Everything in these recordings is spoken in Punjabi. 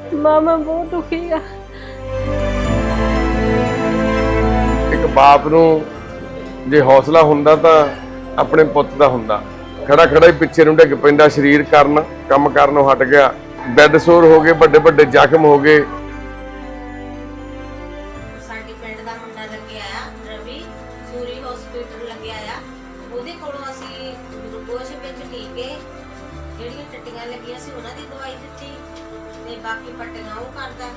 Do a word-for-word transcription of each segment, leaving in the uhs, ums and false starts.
ਮਾਮਾ ਬਹੁਤ ਦੁਖੀ ਆ। ਇੱਕ ਬਾਪ ਨੂੰ ਜੇ ਹੌਸਲਾ ਹੁੰਦਾ ਤਾਂ ਆਪਣੇ ਪੁੱਤ ਦਾ ਹੁੰਦਾ। ਖੜਾ ਖੜਾ ਹੀ ਪਿੱਛੇ ਨੂੰ ਡਿੱਗ ਪੈਂਦਾ, ਸਰੀਰ ਕਰਨ ਕੰਮ ਕਰਨੋਂ ਹਟ ਗਿਆ, ਬੈੱਡ ਸੋਰ ਹੋ ਗਏ, ਵੱਡੇ ਵੱਡੇ ਜ਼ਖਮ ਹੋ ਗਏ। ਸਾਡੇ ਪਿੰਡ ਦਾ ਮੁੰਡਾ ਲੱਗਿਆ ਆ ਰਵੀ, ਸੂਰੀ ਹਸਪੀਟਲ ਲੱਗਿਆ ਆ। ਉਹਦੇ ਕੋਲੋਂ ਅਸੀਂ ਗਲੂਕੋਜ਼ ਵਿੱਚ ਟੀਕੇ, ਜਿਹੜੀਆਂ ਟੱਟੀਆਂ ਲੱਗੀਆਂ ਸੀ ਉਹਨਾਂ ਦੀ ਦਵਾਈ ਦਿੱਤੀ ਤੇ ਬਾਕੀ ਪੱਟੀਆਂ ਉਹ ਕਰਦਾ।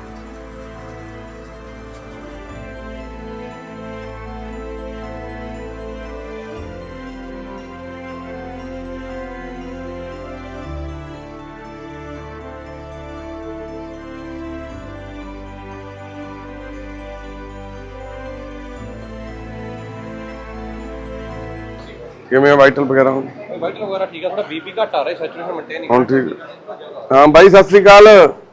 ਕਿਵੇਂ ਵਾਈਟਲ ਵਗੈਰਾ ਹੁਣ? ਵਾਈਟਲ ਵਗੈਰਾ ਠੀਕ ਆ, ਥੋੜਾ ਬੀਪੀ ਘਟ ਆ ਰਿਹਾ, ਸੈਚੂਰੇਸ਼ਨ ਮੇਨਟੇਨ ਨਹੀਂ ਹੁਣ ਠੀਕ। ਹਾਂ ਬਾਈ ਸਤਿ ਸ੍ਰੀ ਅਕਾਲ।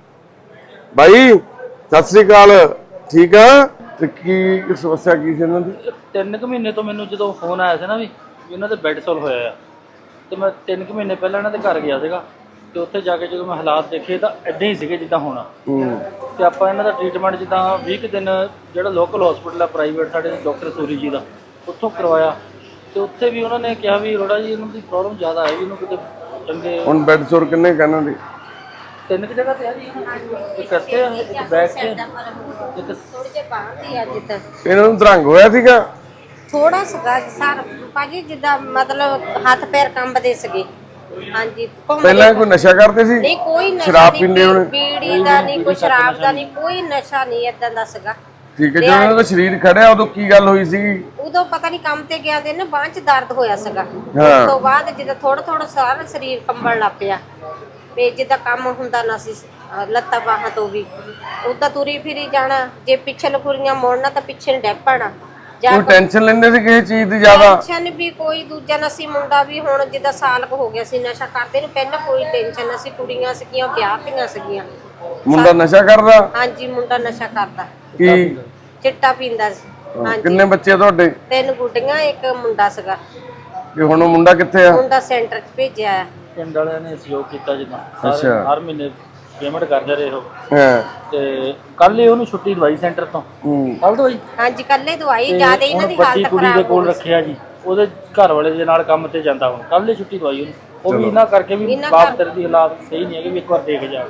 ਬਾਈ ਸਤਿ ਸ੍ਰੀ ਅਕਾਲ। ਠੀਕ ਆ? ਤੇ ਕੀ ਸਮੱਸਿਆ ਕੀ ਸੀ ਇਹਨਾਂ ਦੀ? ਤਿੰਨ ਕੁ ਮਹੀਨੇ ਤੋਂ ਮੈਨੂੰ ਜਦੋਂ ਫੋਨ ਆਇਆ ਸੀ ਨਾ ਵੀ ਇਹਨਾਂ ਦੇ ਬੈੱਡ ਸੋਲ ਹੋਇਆ ਆ, ਤੇ ਮੈਂ ਤਿੰਨ ਕੁ ਮਹੀਨੇ ਪਹਿਲਾਂ ਇਹਨਾਂ ਦੇ ਘਰ ਗਿਆ ਸੀਗਾ। ਤੇ ਉੱਥੇ ਜਾ ਕੇ ਜਦੋਂ ਮੈਂ ਹਾਲਾਤ ਦੇਖੇ ਤਾਂ ਇੱਦਾਂ ਹੀ ਸੀਗੇ ਜਿੱਦਾਂ ਹੋਣਾ। ਤੇ ਆਪਾਂ ਇਹਨਾਂ ਦਾ ਟ੍ਰੀਟਮੈਂਟ ਜਿੱਦਾਂ ਵੀਹ ਕੁ ਦਿਨ ਜਿਹੜਾ ਲੋਕਲ ਹਸਪੀਟਲ ਆ ਪ੍ਰਾਈਵੇਟ ਸਾਡੇ ਡਾਕਟਰ ਸੂਰੀ ਜੀ ਦਾ, ਉੱਥੋਂ ਕਰਵਾਇਆ। ਤੇ ਉੱਥੇ ਵੀ ਉਹਨਾਂ ਨੇ ਕਿਹਾ ਵੀ ਅਰੋੜਾ ਜੀ ਇਹਨਾਂ ਦੀ ਪ੍ਰੋਬਲਮ ਜ਼ਿਆਦਾ ਹੈ, ਵੀ ਇਹਨੂੰ ਕਿਤੇ ਚੰਗੇ। ਹੁਣ ਬੈੱਡ ਸੋਰ ਕਿੰਨੇ ਕਹਿਣਾ ਦੀ? ਤਿੰਨ ਕੁ ਜਗ੍ਹਾ ਤੇ ਆ ਜੀ, ਇੱਕ ਇੱਥੇ ਆ, ਇੱਕ ਬੈਕ ਤੇ, ਇੱਕ ਥੋੜੀ ਜਿਹੀ ਬਾਹਰ ਆ ਜਿੱਦਾਂ ਇਹਨਾਂ ਨੂੰ ਦਰੰਗ ਹੋਇਆ ਸੀਗਾ? ਥੋੜਾ ਸਗਾ ਸਰ ਭਾਜੀ, ਜਿੱਦਾਂ ਮਤਲਬ ਹੱਥ ਪੈਰ ਕੰਬਦੇ ਸੀਗੇ। ਹਾਂਜੀ, ਪਹਿਲਾਂ ਕੋਈ ਨਸ਼ਾ ਕਰਦੇ ਸੀ? ਨਹੀਂ, ਕੋਈ ਨਸ਼ਾ ਸ਼ਰਾਬ ਨਹੀਂ, ਪੀਂਦੇ ਹੋਣੇ? ਬੀੜੀ ਦਾ ਨਹੀਂ, ਕੋਈ ਸ਼ਰਾਬ ਦਾ ਨਹੀਂ, ਕੋਈ ਨਸ਼ਾ ਨਹੀਂ ਏਦਾਂ ਦਾ ਸੀਗਾ। ਠੀਕ ਹੈ। ਜਦੋਂ ਇਹਨਾਂ ਦਾ ਸਰੀਰ ਖੜਿਆ ਉਦੋਂ ਕੀ ਗੱਲ ਹੋਈ ਸੀਗੀ? ਉਦੋਂ ਪਤਾ ਨਹੀਂ ਕੰਮ ਤੇ ਗਿਆ ਤੇ ਨਾ ਬਾਂਹ 'ਚ ਦਰਦ ਹੋਇਆ ਸੀਗਾ। ਹਾਂ। ਉਸ ਤੋਂ ਬਾਅਦ ਜਿੱਦਾਂ ਥੋੜਾ ਥੋੜਾ ਸਾਰਾ ਸਰੀਰ ਕੰਬਣ ਲੱਗ ਪਿਆ, ਤੇ ਜਿੱਦਾਂ ਕੰਮ ਹੁੰਦਾ ਨਾ ਸੀ ਲੱਤਾਂ ਬਾਹਾਂ ਤੋਂ ਵੀ, ਉਦਾਂ ਤੁਰੀ ਫਿਰੀ ਜਾਣਾ। ਜੇ ਪਿੱਛੇ ਲਖੁਰੀਆਂ ਮੋੜਨਾ ਤਾਂ ਪਿੱਛੇ ਨੂੰ ਡਿੱਗ ਪੈਣਾ। ਕੋਈ ਟੈਨਸ਼ਨ ਲੈਂਦੇ ਸੀ ਕਿਸੇ ਚੀਜ਼ ਦੀ ਜ਼ਿਆਦਾ? ਟੈਨਸ਼ਨ ਵੀ ਕੋਈ ਦੂਜਾ ਨਸੀ ਮੁੰਡਾ ਵੀ ਹੁਣ ਜਿੱਦਾਂ ਸਾਲ ਕੁ ਹੋ ਗਿਆ ਸੀ ਨਸ਼ਾ ਕਰਦੇ ਨੂੰ, ਪਹਿਲਾਂ ਕੋਈ ਟੈਨਸ਼ਨ ਨਾ ਸੀ। ਕੁੜੀਆਂ ਸੀਗੀਆਂ ਵਿਆਹਤੀਆਂ ਸੀਗੀਆਂ। ਮੁੰਡਾ ਨਸ਼ਾ ਕਰਦਾ? ਹਾਂਜੀ, ਮੁੰਡਾ ਨਸ਼ਾ ਕਰਦਾ, ਕੀ ਚਿੱਟਾ ਪੀਂਦਾ ਸੀ। ਹਾਂਜੀ। ਕਿੰਨੇ ਬੱਚੇ ਤੁਹਾਡੇ? ਤਿੰਨ ਗੁੱਡੀਆਂ, ਇੱਕ ਮੁੰਡਾ ਸੀਗਾ। ਤੇ ਹੁਣ ਉਹ ਮੁੰਡਾ ਕਿੱਥੇ ਆ? ਮੁੰਡਾ ਸੈਂਟਰ 'ਚ ਭੇਜਿਆ ਆ। ਪਿੰਡ ਵਾਲਿਆਂ ਨੇ ਸਹਿਯੋਗ ਕੀਤਾ, ਜਿੱਦਾਂ ਸਾਰੇ ਹਰ ਮਹੀਨੇ ਪੇਮੈਂਟ ਕਰਦੇ ਰਹੇ ਉਹ। ਹਾਂ। ਤੇ ਕੱਲ ਹੀ ਉਹਨੂੰ ਛੁੱਟੀ ਦਵਾਈ ਸੈਂਟਰ ਤੋਂ। ਹੂੰ। ਕੱਲ ਦਵਾਈ ਹਾਂਜੀ, ਕੱਲੇ ਦਵਾਈ ਜਿਆਦਾ ਇਹਨਾਂ ਦੀ ਵੱਡੀ ਹਾਲਤ ਕੁੜੀ ਦੇ ਖਰਾਬ ਕੋਲ ਰੱਖਿਆ ਜੀ, ਉਹਦੇ ਘਰ ਵਾਲੇ ਦੇ ਨਾਲ ਕੰਮ ਤੇ ਜਾਂਦਾ। ਹੁਣ ਕੱਲ ਹੀ ਛੁੱਟੀ ਦਵਾਈ ਉਹਨੂੰ। ਉਹ ਵੀ ਇਹਨਾਂ ਕਰਕੇ ਵੀ ਬਾਪ ਤੇਰੇ ਦੀ ਹਾਲਾਤ ਸਹੀ ਨਹੀਂ ਹੈਗੇ, ਵੀ ਇੱਕ ਵਾਰ ਦੇਖ ਜਾ।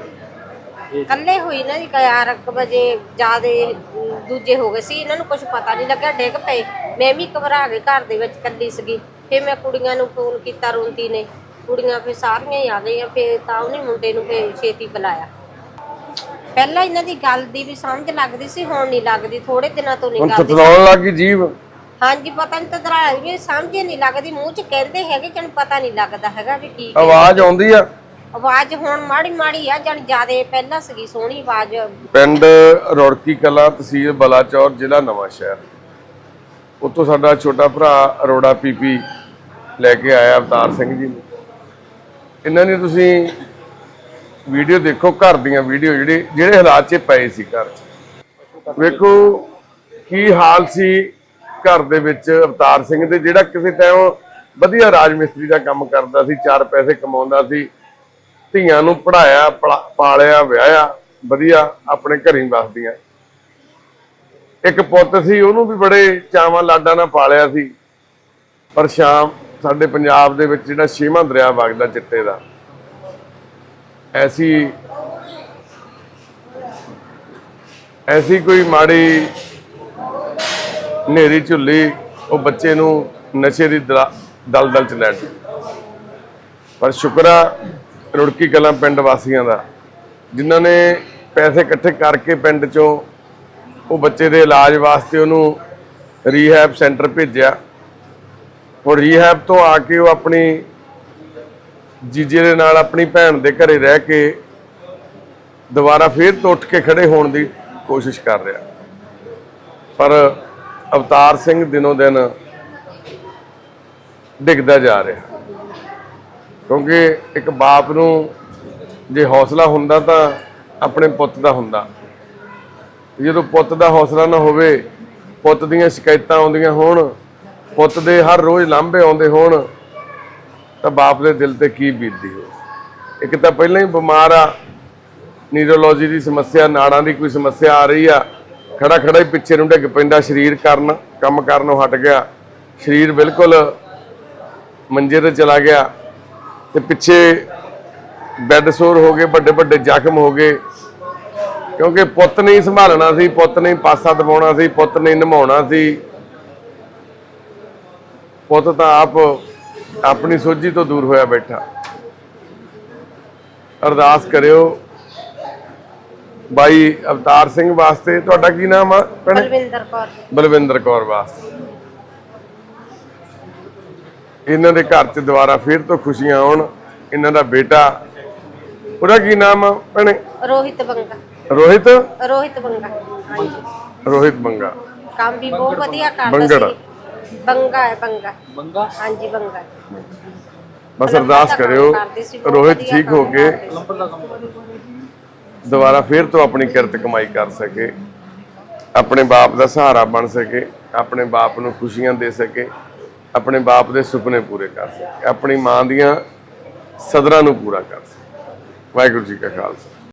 ਕੱਲੇ ਹੋਈ ਨਾ ਜੀ, ਗਿਆਰਾਂ ਕੁ ਵਜੇ ਜਿਆਦੇ ਦੂਜੇ ਹੋ ਗਏ ਸੀ, ਇਹਨਾਂ ਨੂੰ ਕੁਝ ਪਤਾ ਨਹੀਂ ਲੱਗਾ, ਡਿੱਗ ਪਏ। ਮੈਂ ਵੀ ਘਬਰਾ ਕੇ ਘਰ ਦੇ ਵਿੱਚ ਕੱਲੀ ਸੀਗੀ। ਫਿਰ ਮੈਂ ਕੁੜੀਆਂ ਨੂੰ ਫੋਨ ਕੀਤਾ, ਰੋਂਦੀ ਨੇ ਕੁੜੀਆਂ, ਫਿਰ ਸਾਰੀਆਂ ਹੀ ਆ ਗਈਆਂ। ਫਿਰ ਤਾਂ ਉਹਨੇ ਮੁੰਡੇ ਨੂੰ ਫਿਰ ਛੇਤੀ ਬੁਲਾਇਆ। ਪਹਿਲਾਂ ਇਹਨਾਂ ਦੀ ਗੱਲ ਦੀ ਵੀ ਸਮਝ ਲੱਗਦੀ ਸੀ, ਹੁਣ ਨਹੀਂ ਲੱਗਦੀ। ਥੋੜੇ ਦਿਨਾਂ ਤੋਂ ਨਹੀਂ ਹੁਣ ਲੱਗਦੀ। ਤਤਲਾਉਣ ਲੱਗੀ ਜੀਭ? ਹਾਂਜੀ, ਪਤਾ ਨਹੀਂ ਤਦਰਾ ਵੀ ਸਮਝ ਨਹੀਂ ਲੱਗਦੀ। ਮੂੰਹ 'ਚ ਕਹਿੰਦੇ ਹੈਗੇ ਜਣ ਪਤਾ ਨਹੀਂ ਲੱਗਦਾ ਹੈਗਾ ਵੀ ਕੀ ਆਵਾਜ਼ ਆਉਂਦੀ ਆ? ਆਵਾਜ਼ ਹੁਣ ਮਾੜੀ ਮਾੜੀ ਆ, ਜਣ ਜਿਆਦੇ ਪਹਿਲਾਂ ਸੀਗੀ ਸੋਹਣੀ ਆਵਾਜ਼। ਪਿੰਡ ਰੁੜਕੀ ਕਲਾਂ, ਤਹਿਸੀਲ ਬਲਾਚੌਰ, ਜ਼ਿਲ੍ਹਾ ਨਵਾਂ ਸ਼ਹਿਰ। ਉੱਥੋਂ ਸਾਡਾ ਛੋਟਾ ਭਰਾ ਅਰੋੜਾ ਪੀਪੀ ਲੈ ਕੇ ਆਇਆ ਅਵਤਾਰ ਸਿੰਘ ਜੀ ਨੂੰ। ਇਹਨਾਂ ਨੇ ਤੁਸੀਂ ਵੀਡੀਓ ਦੇਖੋ, ਘਰ ਦੀਆਂ ਵੀਡੀਓ ਜਿਹੜੇ ਜਿਹੜੇ ਹਾਲਾਤ 'ਚ ਪਏ ਸੀ ਘਰ 'ਚ। ਵੇਖੋ ਕੀ ਹਾਲ ਸੀ ਘਰ ਦੇ ਵਿੱਚ ਅਵਤਾਰ ਸਿੰਘ ਦੇ, ਜਿਹੜਾ ਕਿਸੇ ਟਾਈਮ ਵਧੀਆ ਰਾਜ ਮਿਸਤਰੀ ਦਾ ਕੰਮ ਕਰਦਾ ਸੀ, ਚਾਰ ਪੈਸੇ ਕਮਾਉਂਦਾ ਸੀ, ਧੀਆਂ ਨੂੰ ਪੜਾਇਆ, ਪਾਲਿਆ, ਵਿਆਹਿਆ, ਵਧੀਆ ਆਪਣੇ ਘਰੀਂ ਵਸਦੀਆਂ। ਇੱਕ ਪੁੱਤ ਸੀ, ਉਹਨੂੰ ਵੀ ਬੜੇ ਚਾਵਾਂ ਲਾਡਾਂ ਨਾਲ ਪਾਲਿਆ ਸੀ। ਪਰ ਸ਼ਾਮ ਸਾਡੇ ਪੰਜਾਬ ਦੇ ਵਿੱਚ ਜਿਹੜਾ ਛੇਵਾਂ ਦਰਿਆ ਵਗਦਾ ਚਿੱਟੇ ਦਾ, ਐਸੀ ਐਸੀ ਕੋਈ ਮਾੜੀ ਹਨੇਰੀ ਝੁੱਲੀ ਉਹ ਬੱਚੇ ਨੂੰ ਨਸ਼ੇ ਦੀ ਦਲਦਲ ਚ ਲੈ ਗਈ। ਪਰ ਸ਼ੁਕਰ ਆ ਰੁੜਕੀ ਕਲਾਂ ਪਿੰਡ ਵਾਸੀਆਂ ਦਾ, ਜਿਨ੍ਹਾਂ ਨੇ ਪੈਸੇ ਇਕੱਠੇ ਕਰਕੇ ਪਿੰਡ ਚੋਂ ਉਹ ਬੱਚੇ ਦੇ ਇਲਾਜ ਵਾਸਤੇ ਉਹਨੂੰ ਰੀਹੈਬ ਸੈਂਟਰ ਭੇਜਿਆ। ਹੁਣ ਰੀਹੈਬ ਤੋਂ ਆ ਕੇ ਉਹ ਆਪਣੀ ਜੀਜੇ ਦੇ ਨਾਲ ਆਪਣੀ ਭੈਣ ਦੇ ਘਰੇ ਰਹਿ ਕੇ ਦੁਬਾਰਾ ਫੇਰ ਤੋਂ ਉੱਠ ਕੇ ਖੜੇ ਹੋਣ ਦੀ ਕੋਸ਼ਿਸ਼ ਕਰ ਰਿਹਾ। ਪਰ ਅਵਤਾਰ ਸਿੰਘ ਦਿਨੋਂ ਦਿਨ ਡਿੱਗਦਾ ਜਾ ਰਿਹਾ, ਕਿਉਂਕਿ ਇੱਕ ਬਾਪ ਨੂੰ ਜੇ ਹੌਸਲਾ ਹੁੰਦਾ ਤਾਂ ਆਪਣੇ ਪੁੱਤ ਦਾ ਹੁੰਦਾ। ਜਦੋਂ ਪੁੱਤ ਦਾ ਹੌਸਲਾ ਨਾ ਹੋਵੇ, ਪੁੱਤ ਦੀਆਂ ਸ਼ਿਕਾਇਤਾਂ ਆਉਂਦੀਆਂ ਹੋਣ, ਪੁੱਤ ਦੇ ਹਰ ਰੋਜ਼ ਲਾਂਭੇ ਆਉਂਦੇ ਹੋਣ, ਤਾਂ ਬਾਪ ਦੇ ਦਿਲ ਤੇ ਕੀ ਬੀਤਦੀ ਹੋ। ਇੱਕ ਤਾਂ ਪਹਿਲਾਂ ਹੀ ਬਿਮਾਰ ਆ, ਨੀਰੋਲੋਜੀ ਦੀ ਸਮੱਸਿਆ, ਨਾੜਾਂ ਦੀ ਕੋਈ ਸਮੱਸਿਆ ਆ ਰਹੀ ਆ, ਖੜਾ ਖੜਾ ਹੀ ਪਿੱਛੇ ਨੂੰ ਡਿੱਗ ਪੈਂਦਾ, ਸਰੀਰ ਕਰਨ ਕੰਮ ਕਰਨੋਂ ਹਟ ਗਿਆ, ਸਰੀਰ ਬਿਲਕੁਲ ਮੰਜੇ ਤੇ ਚਲਾ ਗਿਆ ਤੇ ਪਿੱਛੇ ਬੈੱਡ ਸੋਰ ਹੋ ਗਏ, ਵੱਡੇ ਵੱਡੇ ਜ਼ਖਮ ਹੋ ਗਏ, ਕਿਉਂਕਿ ਪੁੱਤ ਨਹੀਂ ਸੰਭਾਲਣਾ ਸੀ, ਪੁੱਤ ਨਹੀਂ ਪਾਸਾ ਦਬਾਉਣਾ ਸੀ, ਪੁੱਤ ਨਹੀਂ ਨਿਭਾਉਣਾ ਸੀ। ਪੁੱਤ ਤਾਂ ਆਪ ਆਪਣੀ ਸੋਝੀ ਤੋਂ ਦੂਰ ਹੋਇਆ ਬੈਠਾ। ਅਰਦਾਸ ਕਰਿਓ ਬਾਈ ਅਵਤਾਰ ਸਿੰਘ ਵਾਸਤੇ। ਤੁਹਾਡਾ ਕੀ ਨਾਮ ਆ ਭੈਣੇ? ਬਲਵਿੰਦਰ ਕੌਰ। ਬਲਵਿੰਦਰ ਕੌਰ ਵਾਸਤੇ। ਇਹਨਾਂ ਦੇ ਘਰ 'ਚ ਦੁਬਾਰਾ ਫੇਰ ਤੋਂ ਖੁਸ਼ੀਆਂ ਆਉਣ। ਇਹਨਾਂ ਦਾ ਬੇਟਾ, ਉਹਦਾ ਕੀ ਨਾਮ ਆ ਭੈਣੇ? ਰੋਹਿਤ ਬੰਗਾ। ਰੋਹਿਤ ਰੋਹਿਤ ਬੰਗਾ, ਹਾਂਜੀ। ਰੋਹਿਤ ਬੰਗਾ। ਕੰਮ ਵੀ ਬਹੁਤ ਵਧੀਆ ਕਰਦਾ ਬੰਗੜ। ਸੀ। ਬੰਗਾ ਹੈ, ਬੰਗਾ। ਬੰਗਾ ਹਾਂਜੀ, ਬੰਗਾ। ਬਸ ਅਰਦਾਸ ਕਰਿਓ ਰੋਹਿਤ ਠੀਕ ਹੋ ਕੇ ਨੰਬਰ ਦਾ ਕੰਮ ਕਰਦੇ। ਦੁਬਾਰਾ ਫੇਰ ਤੋਂ ਆਪਣੀ ਕਿਰਤ ਕਮਾਈ ਕਰ ਸਕੇ, ਆਪਣੇ ਬਾਪ ਦਾ ਸਹਾਰਾ ਬਣ ਸਕੇ, ਆਪਣੇ ਬਾਪ ਨੂੰ ਖੁਸ਼ੀਆਂ ਦੇ ਸਕੇ, ਆਪਣੇ ਬਾਪ ਦੇ ਸੁਪਨੇ ਪੂਰੇ ਕਰ ਸਕੇ, ਆਪਣੀ ਮਾਂ ਦੀਆਂ ਸਦਰਾਂ ਨੂੰ ਪੂਰਾ ਕਰ ਸਕੇ। ਵਾਹਿਗੁਰੂ ਜੀ ਕਾ ਖਾਲਸਾ।